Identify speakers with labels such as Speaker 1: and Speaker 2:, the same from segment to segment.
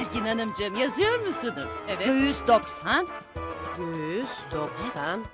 Speaker 1: Belgin Hanımcığım yazıyor musunuz?
Speaker 2: Evet.
Speaker 1: 190.
Speaker 2: 190.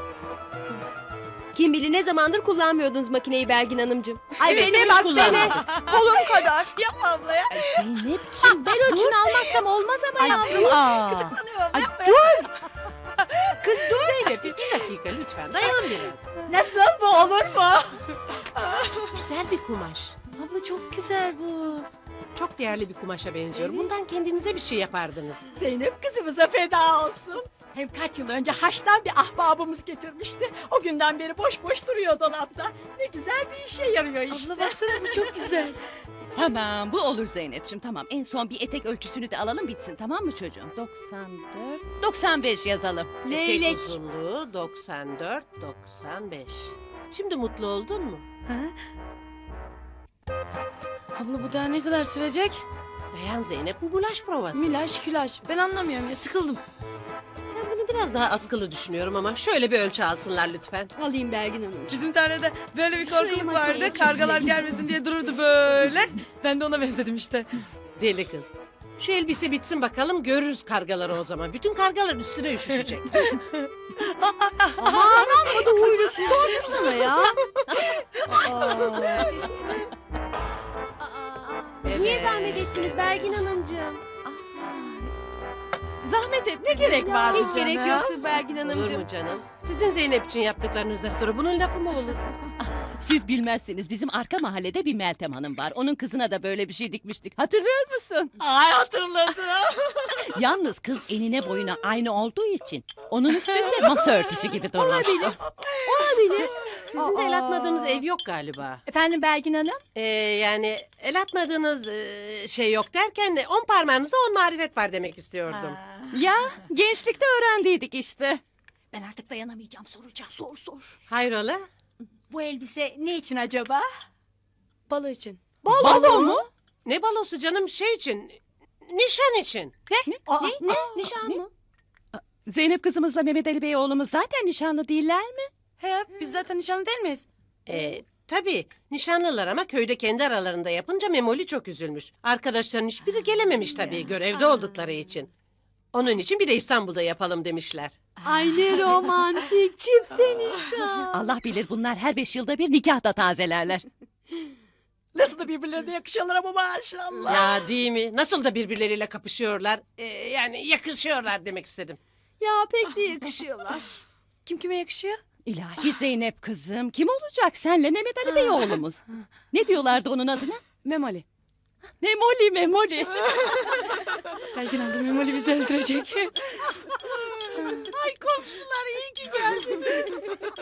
Speaker 3: Kim bilir ne zamandır kullanmıyordunuz makineyi Belgin Hanımcığım. Ay
Speaker 2: Evet,
Speaker 3: bele
Speaker 2: hiç
Speaker 3: bak bele.
Speaker 2: kullanmadım.
Speaker 3: Kolum kadar.
Speaker 4: Yapma abla ya.
Speaker 1: Zeynep'ciğim ben ölçünü almazsam olmaz ama yavrum.
Speaker 4: Tanıyorum.
Speaker 1: Ay,
Speaker 4: Yapma
Speaker 1: dur.
Speaker 3: Kız dur.
Speaker 2: Zeynep 2 dakika lütfen dayan biraz.
Speaker 4: Nasıl bu olur mu?
Speaker 2: Güzel bir kumaş. Abla çok güzel bu. Çok değerli bir kumaşa benziyor. Bundan kendinize bir şey yapardınız.
Speaker 4: Zeynep kızımıza feda olsun. Hem kaç yıl önce Haç'tan bir ahbabımız getirmişti. O günden beri boş boş duruyor dolapta. Ne güzel bir işe yarıyor işte.
Speaker 3: Abla baksana bu çok güzel.
Speaker 1: Tamam bu olur Zeynep'ciğim tamam. En son bir etek ölçüsünü de alalım bitsin tamam mı çocuğum? 94, 95 yazalım.
Speaker 3: Leylek.
Speaker 2: Etek uzunluğu 94, 95. Şimdi mutlu oldun mu?
Speaker 5: Abla bu daha ne kadar sürecek?
Speaker 2: Dayan Zeynep bu bulaş provası.
Speaker 5: Milaş külaş. Ben anlamıyorum ya sıkıldım.
Speaker 2: Ben bunu biraz daha askılı düşünüyorum ama şöyle bir ölçü alsınlar lütfen.
Speaker 3: Alayım Belgin Hanım.
Speaker 5: Bizim tarlada böyle bir
Speaker 3: Şurayı
Speaker 5: korkuluk
Speaker 3: makineye
Speaker 5: vardı. Kargalar
Speaker 3: çekeceğiz.
Speaker 5: gelmesin diye dururdu böyle. Ben de ona benzedim işte.
Speaker 2: Deli kız. Şu elbise bitsin bakalım görürüz kargaları o zaman. Bütün kargalar üstüne üşüşecek.
Speaker 3: Aman amma da huylusun. Doğru sana ya. Niye
Speaker 2: Evet.
Speaker 3: zahmet ettiniz Belgin Hanımcığım?
Speaker 1: Zahmet et.
Speaker 4: Ne gerek var
Speaker 3: Hiç gerek yoktu Belgin
Speaker 2: Olur
Speaker 3: Hanımcığım.
Speaker 2: mu canım? Sizin Zeynep için yaptıklarınızdan sonra bunun lafı mı olur?
Speaker 1: Siz bilmezsiniz bizim arka mahallede bir Meltem Hanım var. Onun kızına da böyle bir şey dikmiştik. Hatırlıyor musun?
Speaker 4: Ay hatırladım.
Speaker 1: Yalnız kız enine boyuna aynı olduğu için onun üstünde masa örtüsü gibi durmuştu.
Speaker 3: Olabilir.
Speaker 2: Sizin de el atmadığınız ev yok galiba.
Speaker 4: Efendim Belgin Hanım?
Speaker 2: Yani el atmadığınız şey yok derken 10 parmağınızda 10 marifet var demek istiyordum.
Speaker 1: Ya gençlikte öğrendiydik işte.
Speaker 4: Ben artık dayanamayacağım. Soracağım. Sor.
Speaker 2: Hayrola?
Speaker 4: Bu elbise ne için acaba?
Speaker 5: Balo için.
Speaker 1: Balo mu?
Speaker 2: Ne balosu canım şey için? Nişan için.
Speaker 4: Aa,
Speaker 1: Ne? Nişan mı? Zeynep kızımızla Mehmet Ali Bey oğlumuz zaten nişanlı değiller mi?
Speaker 5: He biz zaten nişanlı değil miyiz?
Speaker 2: Tabii nişanlılar ama köyde kendi aralarında yapınca Memoli çok üzülmüş. Arkadaşların hiçbiri gelememiş tabii görevde oldukları için. Onun için bir de İstanbul'da yapalım demişler.
Speaker 3: Ay ne romantik çifte nişan.
Speaker 1: Allah bilir bunlar her 5 yılda bir nikah da tazelerler.
Speaker 4: Nasıl da birbirlerine yakışıyorlar ama maşallah.
Speaker 2: Ya değil mi? Nasıl da birbirleriyle kapışıyorlar. Yani yakışıyorlar demek istedim.
Speaker 3: Ya pek de yakışıyorlar.
Speaker 5: Kim kime yakışıyor?
Speaker 1: İlahi Zeynep kızım kim olacak senle Mehmet Ali Bey oğlumuz? Ne diyorlardı onun adına?
Speaker 5: Memoli.
Speaker 1: Memoli Memoli.
Speaker 5: Belgin abla Memoli bizi öldürecek.
Speaker 1: Ay komşular iyi ki geldiniz.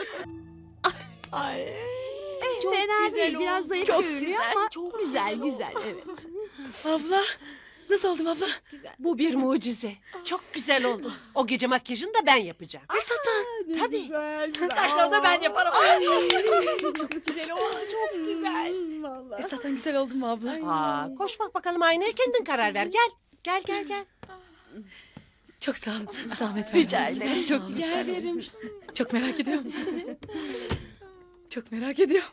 Speaker 4: Ay.
Speaker 3: Çok fena
Speaker 1: güzel
Speaker 3: değil. Biraz
Speaker 1: oldu.
Speaker 3: zayıf
Speaker 1: Çok
Speaker 3: görünüyor
Speaker 1: güzel.
Speaker 3: ama çok güzel evet.
Speaker 5: Abla. Nasıl oldum abla?
Speaker 2: Bu bir mucize. Çok güzel oldu. O gece makyajını da ben yapacağım.
Speaker 4: Tabii. Saçlarını da ben yaparım. Çok güzel oldu. Çok güzel. Vallahi.
Speaker 5: Zaten güzel oldum mu abla?
Speaker 2: Koş bak bakalım aynaya kendin karar ver. Gel. Gel.
Speaker 5: Çok sağ olun. Zahmet
Speaker 1: Rica
Speaker 5: verdiniz.
Speaker 1: ederim çok güzel.
Speaker 5: Çok merak ediyorum. Çok merak ediyorum.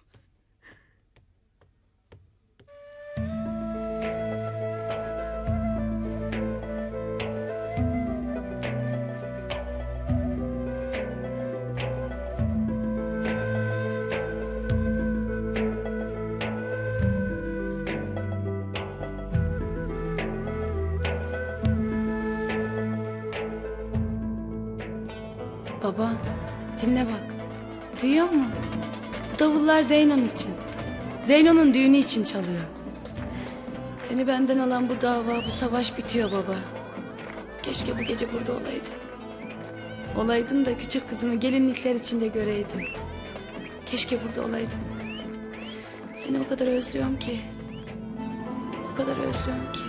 Speaker 5: Baba, dinle bak. Duyuyor musun? Bu davullar Zeynon için. Zeyno'nun düğünü için çalıyor. Seni benden alan bu dava, bu savaş bitiyor baba. Keşke bu gece burada olaydın. Olaydın da küçük kızını gelinlikler içinde göreydin. Keşke burada olaydın. Seni o kadar özlüyorum ki. O kadar özlüyorum ki.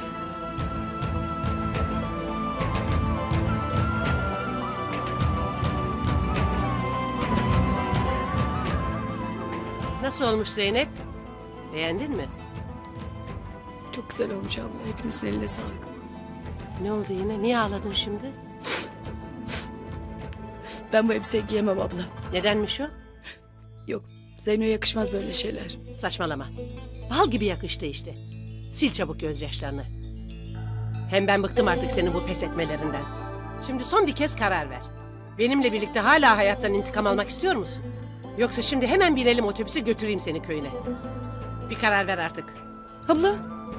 Speaker 2: Nasıl olmuş Zeynep? Beğendin mi?
Speaker 5: Çok güzel olmuş abla. Hepinizin eline sağlık.
Speaker 2: Ne oldu yine? Niye ağladın şimdi?
Speaker 5: Ben bu elbiseyi giyemem abla.
Speaker 2: Nedenmiş o?
Speaker 5: Yok, Zeyno'ya yakışmaz böyle şeyler.
Speaker 2: Saçmalama. Bal gibi yakıştı işte. Sil çabuk gözyaşlarını. Hem ben bıktım artık senin bu pes etmelerinden. Şimdi son bir kez karar ver. Benimle birlikte hala hayattan intikam almak istiyor musun? Yoksa şimdi hemen binelim otobüse götüreyim seni köyüne. Bir karar ver artık.
Speaker 5: Abla.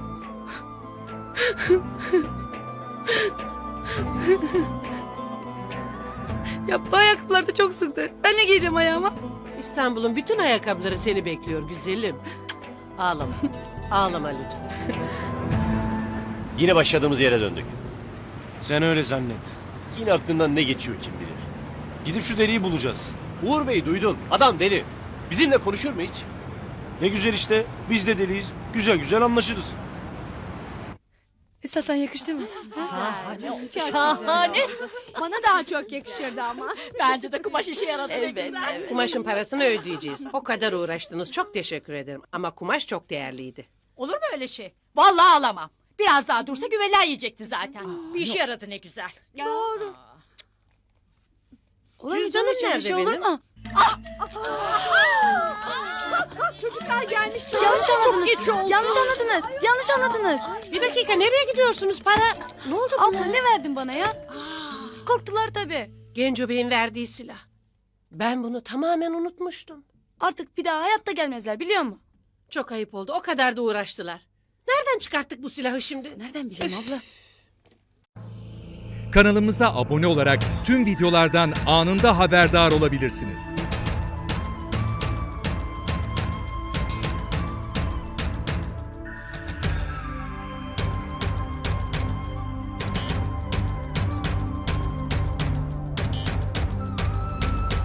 Speaker 5: Ya bu ayakkabılar da çok sıktı. Ben ne giyeceğim ayağıma?
Speaker 2: İstanbul'un bütün ayakkabıları seni bekliyor güzelim. Ağlama. Ağlama lütfen.
Speaker 6: Yine başladığımız yere döndük.
Speaker 7: Sen öyle zannet.
Speaker 6: Yine aklından ne geçiyor kim bilir.
Speaker 7: Gidip şu deliği bulacağız.
Speaker 6: Uğur Bey duydun. Adam deli. Bizimle konuşur mu hiç?
Speaker 7: Ne güzel işte. Biz de deliyiz. Güzel güzel anlaşırız.
Speaker 5: Zaten yakıştı mı?
Speaker 1: Şahane.
Speaker 4: Bana daha çok yakışırdı ama. Bence de kumaş işe yaradı ne
Speaker 1: Evet,
Speaker 4: güzel.
Speaker 1: evet.
Speaker 2: Kumaşın parasını ödeyeceğiz. O kadar uğraştınız. Çok teşekkür ederim. Ama kumaş çok değerliydi.
Speaker 4: Olur mu öyle şey? Vallahi alamam. Biraz daha dursa güveler yiyecekti zaten. Bir işe yaradı ne güzel.
Speaker 3: Doğru.
Speaker 5: Olur mu
Speaker 2: Cüzdanım
Speaker 5: canım? Şöyle
Speaker 2: nerede
Speaker 5: şey olur
Speaker 2: benim?
Speaker 5: mu?
Speaker 4: Çocuklar gelmiş.
Speaker 5: Yanlış anladınız. Yanlış anladınız. Yanlış anladınız.
Speaker 2: Bir dakika nereye gidiyorsunuz para? Ne oldu
Speaker 5: Abla ne verdin bana ya? Korktular tabii.
Speaker 2: Genco Bey'in verdiği silah. Ben bunu tamamen unutmuştum.
Speaker 5: Artık bir daha hayatta gelmezler biliyor musun?
Speaker 2: Çok ayıp oldu. O kadar da uğraştılar. Nereden çıkarttık bu silahı şimdi?
Speaker 5: Nereden bileyim abla?
Speaker 8: Kanalımıza abone olarak tüm videolardan anında haberdar olabilirsiniz.